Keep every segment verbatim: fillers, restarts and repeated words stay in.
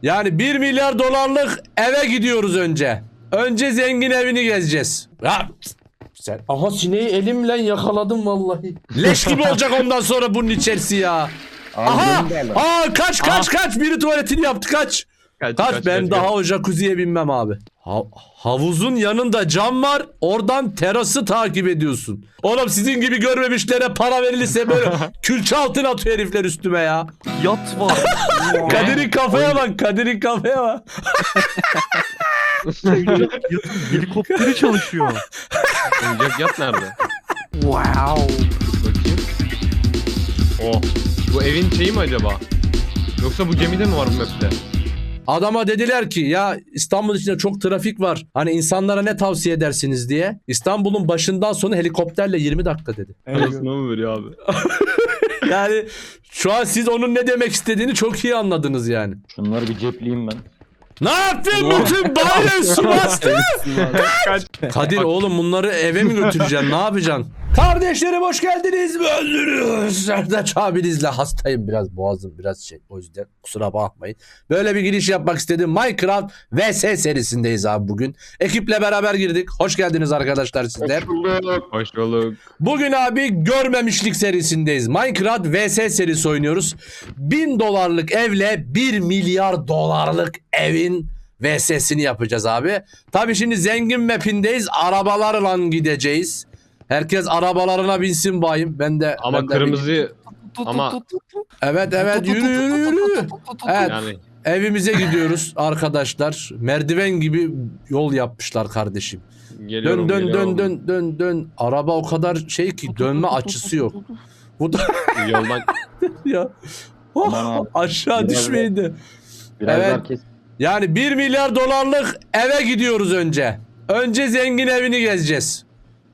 Yani bir milyar dolarlık eve gidiyoruz önce. Önce zengin evini gezeceğiz. Ya sen, aha sineği elimle yakaladım vallahi. Leş gibi olacak ondan sonra bunun içerisi ya. Aha! Aa kaç kaç kaç biri tuvaletini yaptı kaç. Kaç, Kaç, kaç, ben kaç, daha kaç. o jacuzziye binmem abi. Ha- havuzun yanında cam var. Oradan terası takip ediyorsun. Oğlum sizin gibi görmemişlere para verilirse böyle külçe altın atıyor herifler üstüme ya. Yat var. Kadir'in kafaya bak. Kadir'in kafaya bak. Yatın helikopteri çalışıyor. Oyuncak yat nerede? Wow. Bakayım. Oh. Bu evin şeyi mi acaba? Yoksa bu gemide mi var bu map'te? Adama dediler ki ya İstanbul içinde çok trafik var. Hani insanlara ne tavsiye edersiniz diye. İstanbul'un başından sonu helikopterle yirmi dakika dedi. Parasını mı veriyor abi? Yani şu an siz onun ne demek istediğini çok iyi anladınız yani. Şunları bir cepleyeyim ben. Ne yaptın bütün bayrağı su bastı? Kadir oğlum bunları eve mi götüreceksin ne yapacaksın? Kardeşlerim hoş geldiniz. Öldürüyoruz. Serdaç abinizle hastayım biraz boğazım biraz şey o yüzden kusura bakmayın. Böyle bir giriş yapmak istedim. Minecraft V S serisindeyiz abi bugün. Ekiple beraber girdik. Hoş geldiniz arkadaşlar sizler. Hoş bulduk. Bugün abi görmemişlik serisindeyiz. Minecraft V S serisi oynuyoruz. bin dolarlık evle bir milyar dolarlık evin V S'sini yapacağız abi. Tabii şimdi zengin mapindeyiz. Arabalarla gideceğiz. Herkes arabalarına binsin bayım. Ben de Ama ben de kırmızı ama Evet evet yürü yürü yürü. Evet yani evimize gidiyoruz arkadaşlar. Merdiven gibi yol yapmışlar kardeşim. geliyorum Dön dön geliyorum. dön dön dön dön. Araba o kadar şey ki dönme açısı yok. Bu da Yoldan ya. Oh, Aman abi. aşağı Biraz düşmeyin de. Biraz Evet. herkes Yani bir milyar dolarlık eve gidiyoruz önce. Önce zengin evini gezeceğiz.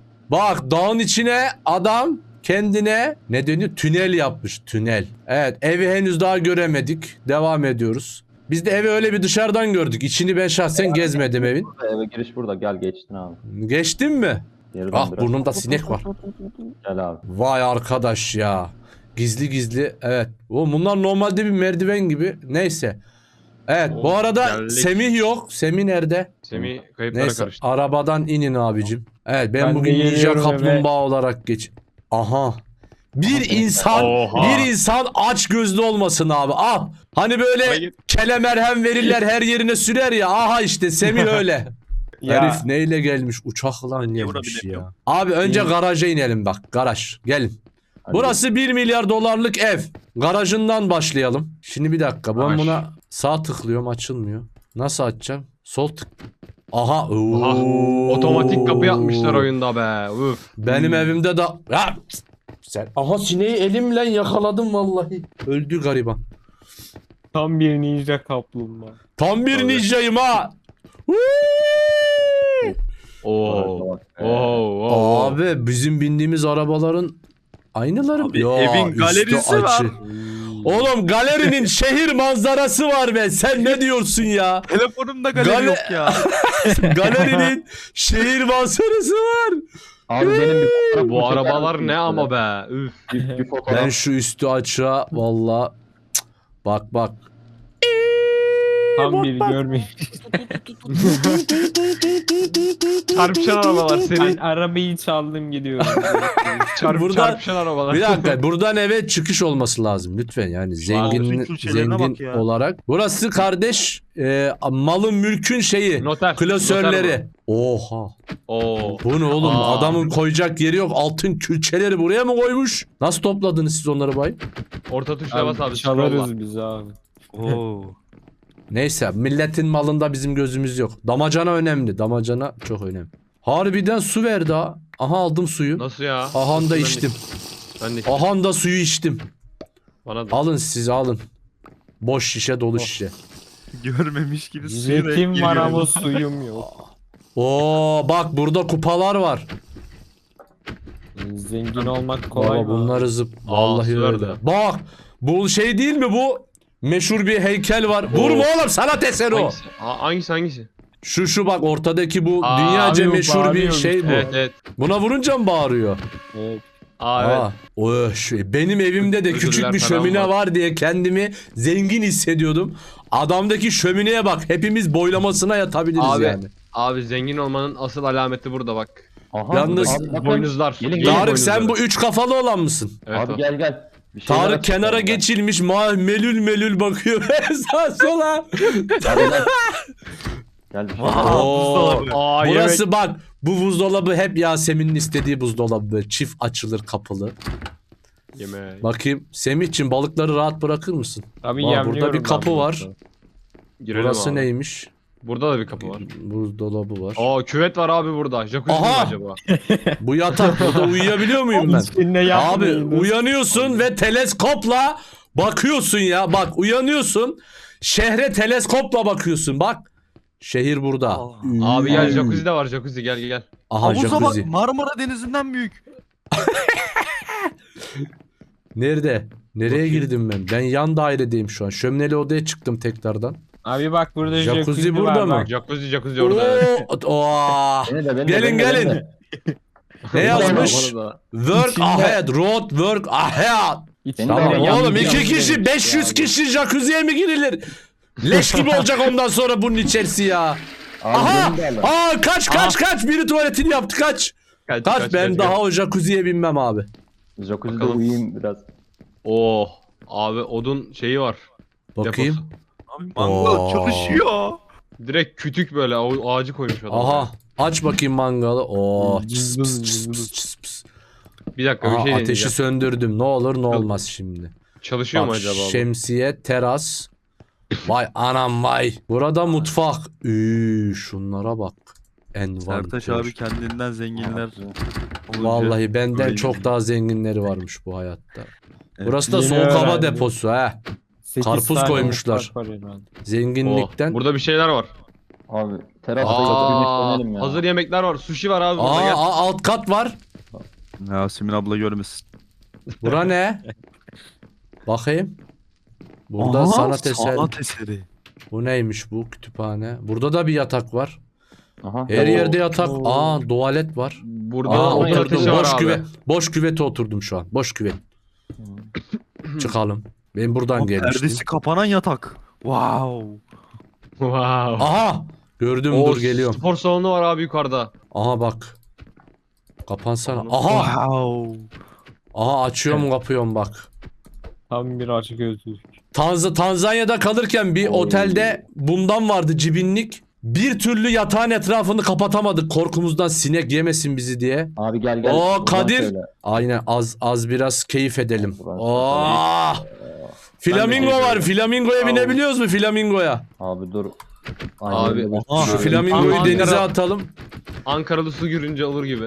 Bak dağın içine adam kendine ne deniyor? Tünel yapmış. Tünel. Evet evi henüz daha göremedik. Devam ediyoruz. Biz de evi öyle bir dışarıdan gördük. İçini ben şahsen gezmedim evin. eve giriş burada. Gel geçtin abi. Geçtin mi? Geriden Ah biraz. burnumda sinek var. Gel abi. Vay arkadaş ya. Gizli gizli evet. O bunlar normalde bir merdiven gibi. Neyse. Evet bu Oh, arada geldik. Semih yok. Semih nerede? Semih kayıplara Neyse karıştı. arabadan inin abicim. Evet ben, Ben de bugün ninja geliyorum kaplumbağa olarak geç. Aha. Bir insan Oha. bir insan aç gözlü olmasın abi. Ah. Hani böyle Hayır. kele merhem verirler her yerine sürer ya. Aha işte Semih öyle. Ya. Herif neyle gelmiş? Uçakla gelmiş vurabilemiyorum. ya. Abi önce garaja inelim bak. Garaj. Gelin. Hadi Burası bir milyar dolarlık ev. Garajından başlayalım. Şimdi bir dakika. Ben Garaj. buna sağ tıklıyorum açılmıyor. Nasıl açacağım? Sol tık. Aha. Aha, Oo. otomatik kapı yapmışlar oyunda be. Uf. Benim evimde de... Ya, sen... Aha sineği elimle yakaladım vallahi. Öldü gariban. Tam bir ninja kaplumbağa. Tam bir Tabii. ninjayım ha. Woo! Oo. bak. Oo. oo. Abi bizim bindiğimiz arabaların aynıları mı? Abi, Ya, evin üstü galerisi açı. var. Oğlum galerinin şehir manzarası var be. Sen ne diyorsun ya? Telefonumda galeri Gale- yok ya. Galerinin şehir manzarası var. Abi benim bir fotoğraf Bu çeker arabalar misin ne şöyle? ama be. Üf. Bir, bir fotoğraf. Ben şu üstü açığa valla bak bak. Tam bir görmeyin. Çarpışan arabalar Ben senin. arabayı çaldım gidiyorum. Çarp, Buradan- çarpışan arabalar. Bir dakika buradan eve çıkış olması lazım lütfen yani zengin bütün külçelerine zengin bak ya. olarak. Burası kardeş e, malın mülkün şeyi Noter. klasörleri. Noter Oha. Oo. Bu ne oğlum Aa. adamın koyacak yeri yok altın külçeleri buraya mı koymuş? Nasıl topladınız siz onları bay? Orta tuşla bas abi. Abi, scroll'la. çalarız biz abi. Oo. Neyse milletin malında bizim gözümüz yok. Damacana önemli damacana çok önemli. Harbiden su verdi ha. Aha aldım suyu. Nasıl ya? Ahan da Ben de- içtim. Ben de Ahan da suyu içtim. Bana da. Alın siz alın. Boş şişe dolu Oh. şişe. Görmemiş gibi suyu da Jetim var giriyor. ama suyum yok. Oo bak burada kupalar var. Zengin olmak kolay Baba mı? bunları zıp. Vallahi su öyle. verdi. Bak bu şey değil mi bu? Meşhur bir heykel var. Vurma oğlum sanat eseri o. Hangisi? Ha, hangisi hangisi? Şu şu bak ortadaki bu Aa, dünyaca abi bu meşhur bir bağırıyormuş. şey bu. Evet evet. Buna vurunca mı bağırıyor? Evet. Aa evet. Aa, o şu- benim evimde de Özürler küçük bir falan şömine var. var diye kendimi zengin hissediyordum. Adamdaki şömineye bak. Hepimiz boylamasına yatabiliriz Abi, yani. abi zengin olmanın asıl alameti burada bak. Aha, Yalnız- abi, bakın. Boynuzlar. Gelin, Gelin gelin. Tarık sen boynuzları. bu üç kafalı olan mısın? Evet, Abi o. gel gel. Bir şeyler Tarık açıklayalım kenara ben. geçilmiş ma melül melül bakıyor sağa sola. Hadi gel. Gel bir şey. Aa, Oo. buzdolabı. Aa, Burası yemek. bak bu buzdolabı hep Yasemin'in istediği buzdolabı böyle çift açılır kapılı. Yemek. Bakayım Semih'cim balıkları rahat bırakır mısın? Tabii Aa, yemliyorum burada bir ben kapı bunu. var. Girelim Burası abi. neymiş? Burada da bir kapı var. Buzdolabı var. Aa küvet var abi burada. Jacuzzi mi Aha! acaba? Bu yatak burada uyuyabiliyor muyum ben? İçinde Abi yapmayın. uyanıyorsun ve teleskopla bakıyorsun ya. Bak uyanıyorsun. Şehre teleskopla bakıyorsun. Bak. Şehir burada. Aa. Abi gel Üy. jacuzzi de var jacuzzi gel gel. Aha Havuza bak, jacuzzi. Marmara Denizi'nden büyük. Nerede? Nereye Bakayım. girdim ben? Ben yan dairedeyim şu an. Şömineli odaya çıktım tekrardan. Abi bak burada Jacuzzi jacuzzi, burada var, mı? bak. Jacuzzi jacuzzi orada. evet. Oo, oo. Beni de, beni de, Gelin, beni de, beni gelin. de. Ne yazmış? Bana da. Work İçinde- ahead, road work ahead. İçinde Tamam Beni de oğlum yemliyorum iki kişi demiş beş yüz ya. kişi jacuzziye mi girilir? Leş gibi olacak ondan sonra bunun içerisi ya. Abi Aha! beni de alın. Aa kaç kaç kaç biri tuvaletini yaptı kaç. Kaç, Kaç ben daha o jacuzziye binmem abi. Jacuzzi'de Bakalım. uyuyayım biraz. Oh abi odun şeyi var. Bakayım. Deposu. Abi mangal Oo. çalışıyor. Direkt kütük böyle o ağacı koymuş adam. Aha aç bakayım mangalı. Oo çıs Cızbız, pıs çıs cızbız. pıs çıs pıs. Bir dakika bir Aha, şey ateşi deneyeceğim. söndürdüm. Ne olur ne olmaz şimdi. Çalışıyor mu Bak acaba bu? şemsiye, teras. Vay anam vay. Burada mutfak. Üü, şunlara bak. Envanter. Sertaç abi kendinden zenginler. olunca Vallahi benden böyle çok gidiyor. daha zenginleri varmış bu hayatta. Evet. Burası da Yeni soğuk hava öğrendim. deposu ha. Sekiz Karpuz tane koymuşlar. mutfak var herhalde. Zenginlikten. Oh, burada bir şeyler var. Abi terasta Aa, güneşlenelim ya. hazır yemekler var. Sushi var abi burada Aa, gel. aa, alt kat var. Yasemin abla görmesin. Bura ne? Bakayım. Burada Aha, sanat eseri. Sanat eseri. Bu neymiş bu kütüphane? Burada da bir yatak var. Aha. Her Oo. yerde yatak. Aa tuvalet var. Burada Aa odun oturdum. ateşi var Boş abi. küvet. Boş küvete oturdum şu an. Boş küvet. Çıkalım. Ben buradan Ama gelmiştim. Perdesi kapanan yatak. Wow. Wow. Aha! Gördüm Oo, dur geliyorum. Spor salonu var abi yukarıda. Aha bak. Kapansana. Aha! Wow. Aha açıyorum kapıyorum bak. Tam bir açık gözlük. Tanz Tanzanya'da kalırken bir Oo. otelde bundan vardı cibinlik. Bir türlü yatağın etrafını kapatamadık korkumuzdan sinek yemesin bizi diye. Abi gel gel. Oo, Buradan Kadir. söyle. Aynen az az biraz keyif edelim. Burası Oo! Flamingo keyif var. ediyorum. Flamingoya binebiliyoruz mu flamingoya? Abi dur. Abi, öyle. aha. Şu Abi, flamingoyu Ankara- denize atalım. Ankaralı su görünce olur gibi.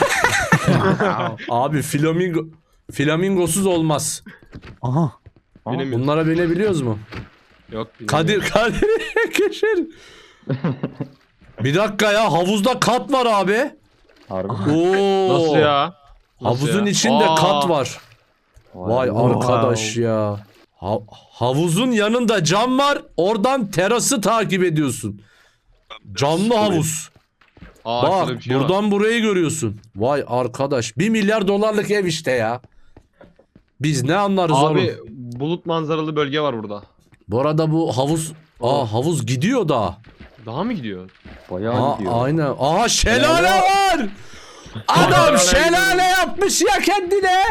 Abi flamingo flamingosuz olmaz. Aha. Aha. Bilemiyorum. Bunlara binebiliyoruz mu? Yok. bilmiyorum. Kadir Kadir Keşir. Bir dakika ya havuzda kat var abi. Harbi. Oo. Nasıl ya? Nasıl Havuzun ya? içinde Aa, kat var. Vay Wow. arkadaş ya. Ha- havuzun yanında cam var. Oradan terası takip ediyorsun. Camlı havuz. Aa, Bak şurada bir şey var. buradan burayı görüyorsun. Vay arkadaş. Bir milyar dolarlık ev işte ya. Biz ne anlarız Abi oğlum. bulut manzaralı bölge var burada. Bu arada bu havuz... Aa havuz gidiyor da. Daha mı gidiyor? Bayağı Aa, gidiyor. aynen. Aha şelale var. Adam şelale yapmış ya kendine.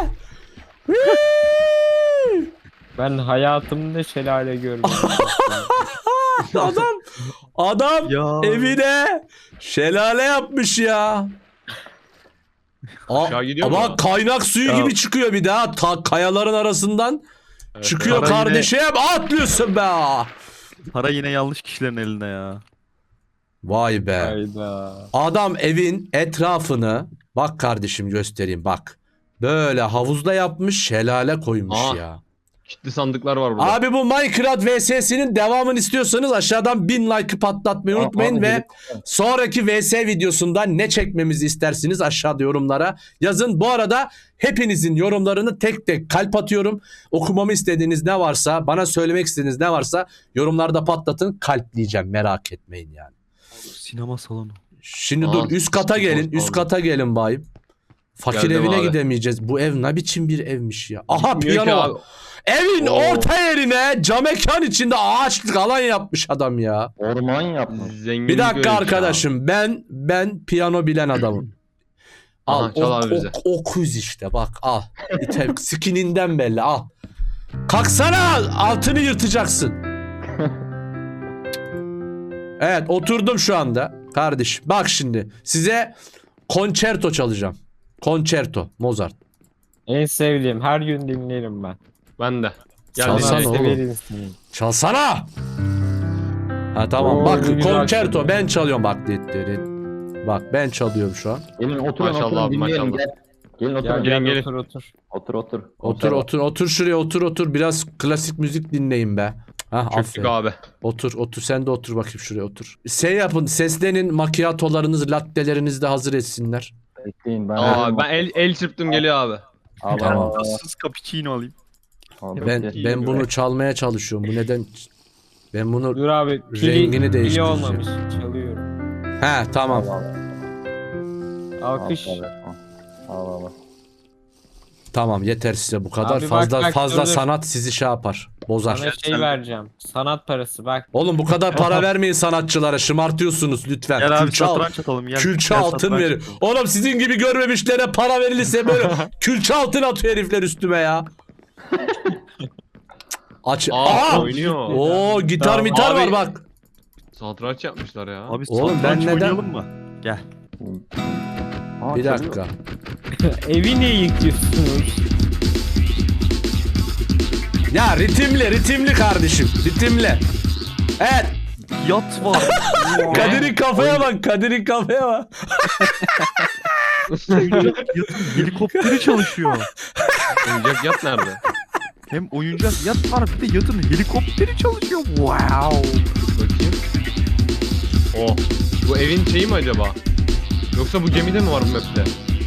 Hıı! Ben hayatımda şelale görmedim. adam adam Ya. evine şelale yapmış ya. Aa, Aşağı gidiyor ama mu? kaynak suyu Ya. gibi çıkıyor bir daha ta kayaların arasından Evet, çıkıyor Para yine- kardeşim atlıyorsun be. Para yine yanlış kişilerin elinde ya. Vay be. Hayda. Adam evin etrafını bak kardeşim göstereyim bak. Böyle havuzda yapmış şelale koymuş Aa. ya. Kilitli sandıklar var burada. Abi bu Minecraft V S'sinin devamını istiyorsanız aşağıdan bin like'ı patlatmayı Aa, unutmayın abi, ve gelip- sonraki V S videosunda ne çekmemizi istersiniz aşağıda yorumlara yazın. Bu arada hepinizin yorumlarını tek tek kalp atıyorum. Okumamı istediğiniz ne varsa, bana söylemek istediğiniz ne varsa yorumlarda patlatın, kalpleyeceğim, merak etmeyin yani. Sinema salonu. Şimdi Aa, dur üst kata spor gelin, üst salonu. kata gelin bayım. Fakir Geldim evine abi. gidemeyeceğiz. Bu ev ne biçim bir evmiş ya. Aha Bilmiyor ki piyano var. abi. Evin Oo. orta yerine cam mekan içinde ağaçlık alan yapmış adam ya. Orman yapmış. Zenginlik Bir dakika öyle şey abi. arkadaşım. Ben ben piyano bilen adamım. Al Aha, çal o, abi bize. o, okuz işte bak al. İte, skininden belli al. Kalksana altını yırtacaksın. Evet oturdum şu anda kardeşim. Bak şimdi size konçerto çalacağım. Konçerto Mozart. En sevdiğim. Her gün dinlerim ben. Ben de. Gel Çalsana dinleyelim. oğlum. Severim seni. Çalsana. Ha tamam Oo, bak ne güzel konçerto çalıyor. ben çalıyorum bak. dit, dit, dit. Bak ben çalıyorum şu an. Gelin oturun Maşallah oturun abi, dinleyelim maşallah. gel. Gelin Gel oturun. gelin, gel gelin. otur otur. Otur otur. Otur otur otur şuraya otur otur biraz klasik müzik dinleyin be. Hah Çöktük aferin. abi. Otur otur sen de otur bakayım şuraya otur. Şey yapın seslenin makyatolarınız lattelerinizi de hazır etsinler. Bekleyin ben. Aa, ben el, el çırptım geliyor abi. Al, Tamam. al, al, Tatsız cappuccino alayım. al. Ben Bekle. ben bunu çalmaya çalışıyorum. Bu neden ben bunu Dur abi. Pili, Rengini pili değiştireceğim. olmamış. Çalıyorum. he tamam. Al, al, al. Alkış. Al, al, al, al. Tamam yeter size bu kadar. Abi bak, fazla bak, fazla dur, dur. sanat sizi şey yapar. Bozar. Sana şey vereceğim. Sanat parası bak. Oğlum bu kadar para vermeyin sanatçılara. Şımartıyorsunuz lütfen. Gel abi Külçe, al- satranç atalım. Gel. külçe Gel altın satranç verin. atalım. Oğlum sizin gibi görmemişlere para verilirse böyle külçe altın atıyor herifler üstüme ya. Aç. Aa, Aa! oynuyor. Oo gitar Tamam. mitar var Abi- bak. Satranç yapmışlar ya. Abi Oğlum, ben satranç neden- oynayalım mı? Gel. Aa, Bir çalıyor. dakika. Evi niye yıkıyorsunuz? Ya ritimli ritimli kardeşim. Ritimli. Evet. Yat var. Kadir'in kafaya bak. Kadir'in kafaya bak. Oyuncak yatın helikopteri çalışıyor. Oyuncak yat nerede? Hem oyuncak yat var bir de yatın helikopteri çalışıyor. Wow. Bakayım. Oh. Bu evin şeyi mi acaba? Yoksa bu gemide mi var bu map'te?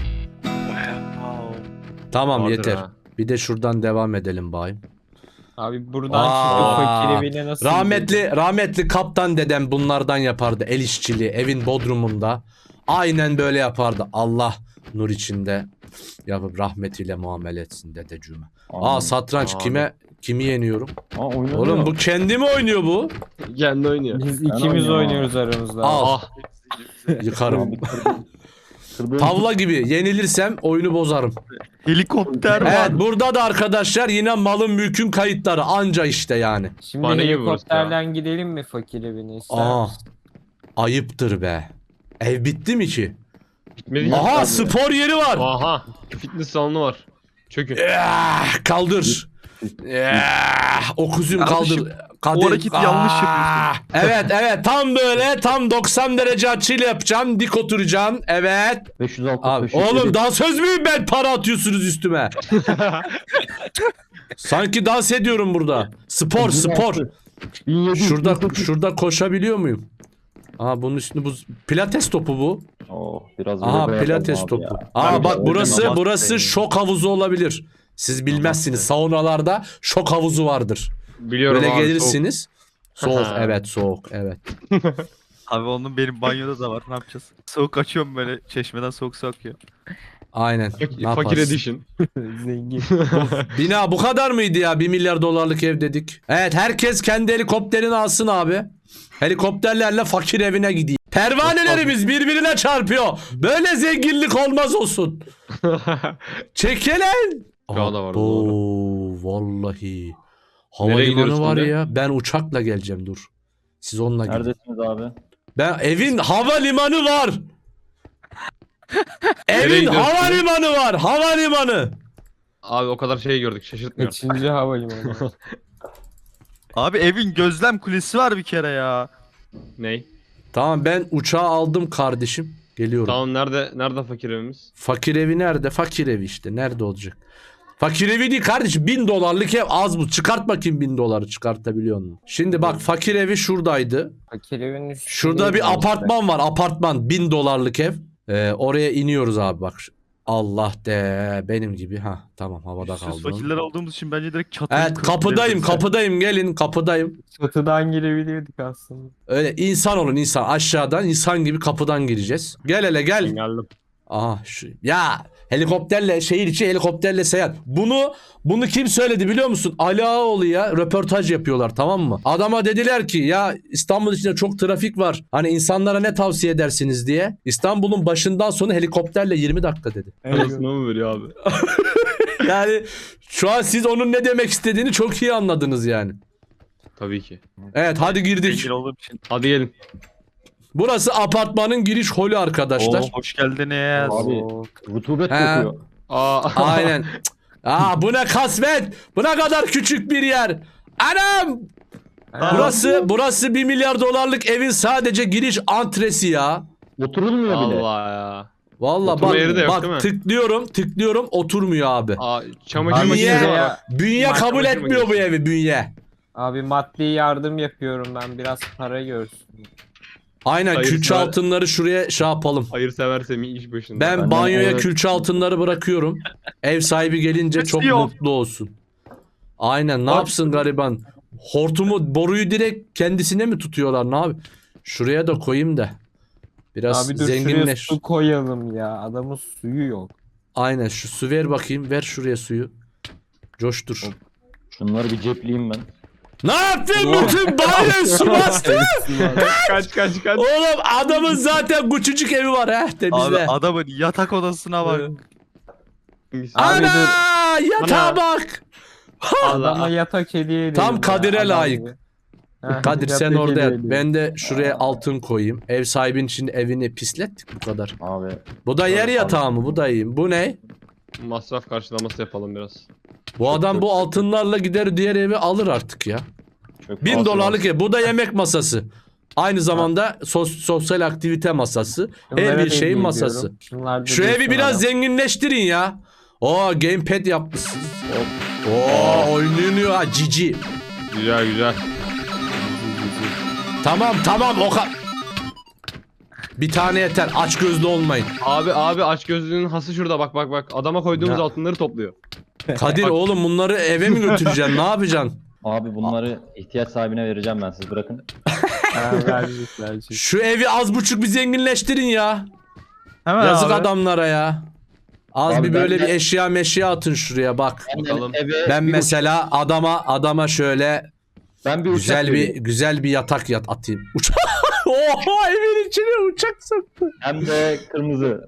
Tamam Vardır yeter. ha. Bir de şuradan devam edelim bayım. Abi buradan Aa, çıkıp fakir evine nasıl Rahmetli rahmetli kaptan dedem bunlardan yapardı el işçiliği evin bodrumunda. Aynen böyle yapardı. Allah nur içinde yapıp rahmetiyle muamele etsin dedeciğime. Aa Amin. satranç Abi. kime kimi yeniyorum? Aa, oynanıyor. Oğlum bu kendi mi oynuyor bu? Kendi oynuyor. Biz Ben ikimiz oynuyorum oynuyoruz aramızda. Al. Ah. Yıkarım. Abi, kırdım. Kırdığım Tavla gibi yenilirsem oyunu bozarım. Helikopter var. Evet burada da arkadaşlar yine malın mülkün kayıtları anca işte yani. Şimdi Bana gibi burası helikopterden gidelim mi fakir evine ister Aa misin? ayıptır be. Ev bitti mi ki? Bitmedi ki. Aha spor yeri var. Aha. Fitness salonu var. Çökün. Ah, kaldır. Ah, okuzum Kardeşim, kaldır. Kadir. o hareketi yanlış Ah, Evet evet tam böyle tam doksan derece açıyla yapacağım. Dik oturacaksın. Evet. beş yüz altı, Abi, beş yüz yedi. oğlum dansöz müyüm ben para atıyorsunuz üstüme. Sanki dans ediyorum burada. Spor spor. bin yedi yüz. Şurada şurada koşabiliyor muyum? Aa bunun üstünde bu pilates topu bu. Oh, biraz Aha yoga pilates yapalım abi topu. ya. Aa Ben bak de burası oynamam burası isterim. şok havuzu olabilir. Siz bilmezsiniz. Saunalarda şok havuzu vardır. Biliyorum Böyle abi. gelirsiniz. Soğuk Aha. evet soğuk evet. Abi onun benim banyoda da var. Ne yapacağız? Soğuk açıyorum böyle. Çeşmeden soğuk su akıyor. Aynen. Soğuk. Ne Fakir yaparsın? edition. Zengin. Bina bu kadar mıydı ya? Bir milyar dolarlık ev dedik. Evet herkes kendi helikopterini alsın abi. Helikopterlerle fakir evine gideyim. Pervanelerimiz birbirine çarpıyor. Böyle zenginlik olmaz olsun. Çekelen. Daha da var, Oo, vallahi. Nereye gidiyoruz Havalimanı var şimdi? ya. Ben uçakla geleceğim dur. Siz onunla gidin. Neredesiniz abi? Ben evin havalimanı var. Nereye Evin gidiyorsun? havalimanı var. Havalimanı. Abi o kadar şey gördük şaşırtmıyor. Kaçıncı havalimanı? Abi evin gözlem kulesi var bir kere ya. Ney? Tamam ben uçağı aldım kardeşim. Geliyorum. Tamam nerede nerede fakir evimiz? Fakir evi nerede? Fakir evi işte. Nerede olacak? Fakir evi değil kardeşim. Bin dolarlık ev az bu. Çıkart bakayım bin doları çıkartabiliyor musun? Şimdi bak fakir evi şuradaydı. Fakir evin üstünde. Şurada bir apartman var. Apartman. Bin dolarlık ev. Ee, oraya iniyoruz abi bak. Allah de benim gibi. Ha tamam havada Sus kaldım. fakirler olduğumuz için bence direkt çatıyı Evet kırıp kapıdayım gidebiliriz. kapıdayım gelin kapıdayım. Çatıdan girebilirdik aslında. Öyle insan olun insan aşağıdan insan gibi kapıdan gireceğiz. Gel hele gel. Geldim. Aha şu ya helikopterle şehir içi helikopterle seyahat. Bunu bunu kim söyledi biliyor musun? Ali Ağaoğlu'ya röportaj yapıyorlar, tamam mı? Adama dediler ki ya İstanbul içinde çok trafik var. Hani insanlara ne tavsiye edersiniz diye. İstanbul'un başından sonu helikopterle yirmi dakika dedi. Parasını mı veriyor abi? Yani şu an siz onun ne demek istediğini çok iyi anladınız yani. Tabii ki. Evet hadi girdik. Zengin olduğum için. Hadi gelin. Burası apartmanın giriş holü arkadaşlar. Oo, hoş geldiniz. Abi Oo. rutubet He. kokuyor. Aa. Aynen. Aa bu ne kasvet. Bu ne kadar küçük bir yer. Anam. Burası burası bir milyar dolarlık evin sadece giriş antresi ya. Oturulmuyor bile. Allah ya. Vallahi Oturma bak, yeri de yok, değil mi? bak tıklıyorum tıklıyorum oturmuyor abi. Aa, çamaşır Abi Niye? makinesi var. Bünye Bak, kabul çamaşır etmiyor bu makinesi. evi, bünye. Abi maddi yardım yapıyorum ben. Biraz para görsün. Aynen Hayır, külçe sonra- altınları şuraya şey yapalım. Hayır severse mi iş başında. Ben Ben de- banyoya Evet. külçe altınları bırakıyorum. Ev sahibi gelince çok Kesiyor. mutlu olsun. Aynen ne Bak- yapsın gariban? Hortumu, boruyu direkt kendisine mi tutuyorlar, ne abi? Şuraya da koyayım da. Biraz Abi dur şuraya zenginleş. su koyalım ya. Adamın suyu yok. Aynen şu su ver bakayım. Ver şuraya suyu. Coştur. Şunları bir cepleyeyim ben. Ne yaptın bütün banyoyu su bastı? kaç kaç kaç. Oğlum adamın zaten küçücük evi var ha Abi temizle. adamın yatak odasına bak. Abi Ana yatağa Ana. bak. Adama yatak hediye edelim. Tam ya, Kadir'e adam layık. gibi. Heh, Kadir sen yatak orada hediye yat. edelim. Ben de şuraya altın koyayım. Ev sahibinin için evini pislettik bu kadar. Abi Bu da yer Abi. yatağı mı? Bu da iyi. Bu ne? Masraf karşılaması yapalım biraz. Bu adam çok bu altınlarla gider diğer evi alır artık ya. çok Bin fazla dolarlık ev. Bu da yemek masası. Aynı zamanda sos- sosyal aktivite masası. Şunlara Her bir da şeyin hediye masası. ediyorum. Şunlar da Şu evi dursun biraz adam. zenginleştirin ya. Oo gamepad yapmışsınız. Oo oynuyor ha cici. Güzel güzel. Tamam tamam o ka- Bir tane yeter. Aç gözlü olmayın. Abi abi aç gözlüğünün hası şurada bak bak bak. Adama koyduğumuz Ya. altınları topluyor. Kadir oğlum bunları eve mi götüreceksin? Ne yapacaksın? Abi bunları ihtiyaç sahibine vereceğim ben, siz bırakın. Ha, verecek verecek. Şu evi az buçuk bir zenginleştirin ya. Hemen Yazık abi. adamlara ya. Az Abi bir ben böyle de- bir eşya meşya atın şuraya bak. Bakalım. Eve Ben bir mesela adama adama şöyle uçak- ben bir güzel uçak bir vereyim. güzel bir yatak yat atayım. Uçak. Oha evin içine uçak soktu. Hem de kırmızı.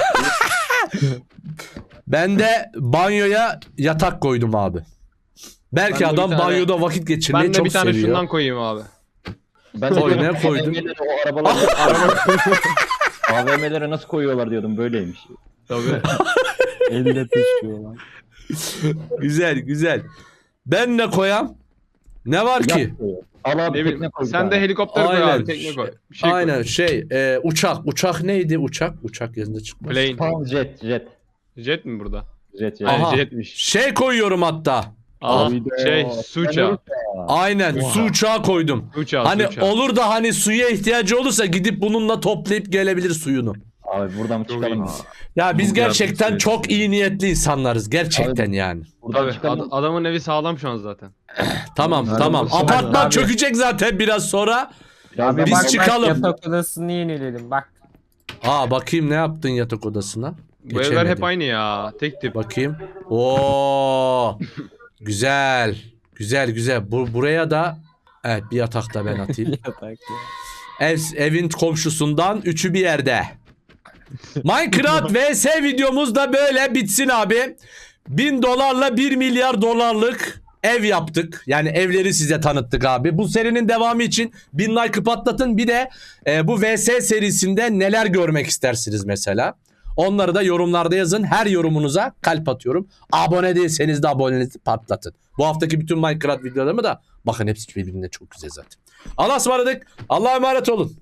Ben de banyoya yatak koydum abi. Belki Ben de bir adam tane- banyoda vakit geçirmeyi Ben de çok bir tane seviyor. şundan koyayım abi. Ben de Koy, diyordum, ne koydun? A V M'lere o arabaları A V M'lere nasıl koyuyorlar diyordum, böyleymiş. Tabii. Elle taşıyorlar. Güzel güzel. Ben ne koyam? Ne var ki? Yap koyuyor. Al abi ne tekne bileyim. koy. bir Sen de tane. helikopter koy Aynen. abi. Tekne koy. Bir şey Aynen koy. şey e, uçak. Uçak neydi uçak? Uçak yazında çıkmaz. Plane. Tamam, jet jet. Jet mi burada? Jet jet. Aha. Ay, jetmiş. Şey koyuyorum hatta. Aa, Abi de- şey su uçağı. Aynen Oha. su uçağı koydum. Su uçağı, Hani su uçağı. olur da hani suya ihtiyacı olursa gidip bununla toplayıp gelebilir suyunu. Abi buradan Çok çıkalım. iyi. Ya biz Bu gerçekten yardım çok iyi niyetli insanlarız gerçekten yani. Buradan Tabii çıkalım. ad- adamın evi sağlam şu an zaten. Tamam Abi, tamam. abi. Apartman Abi. çökecek zaten biraz sonra. Birazdan Abi Biz bak, bak- çıkalım. Bak, yatak odasını yenileyelim bak. Aa bakayım ne yaptın yatak odasına? Bu evler Geçemedim. hep aynı ya. Tek tip. Bakayım. Oo. Güzel. Güzel güzel. Bu, buraya da evet bir yatak da ben atayım. Yatak ya. Ev, evin komşusundan üçü bir yerde. Minecraft vs videomuz da böyle bitsin abi. Bin dolarla bir milyar dolarlık ev yaptık. Yani evleri size tanıttık abi. Bu serinin devamı için bin like patlatın. Bir de e, bu V S serisinde neler görmek istersiniz mesela. Onları da yorumlarda yazın. Her yorumunuza kalp atıyorum. Abone değilseniz de abonenizi patlatın. Bu haftaki bütün Minecraft videolarımı da bakın hepsi birbirine çok güzel zaten. Allah'a ısmarladık. Allah'a emanet olun.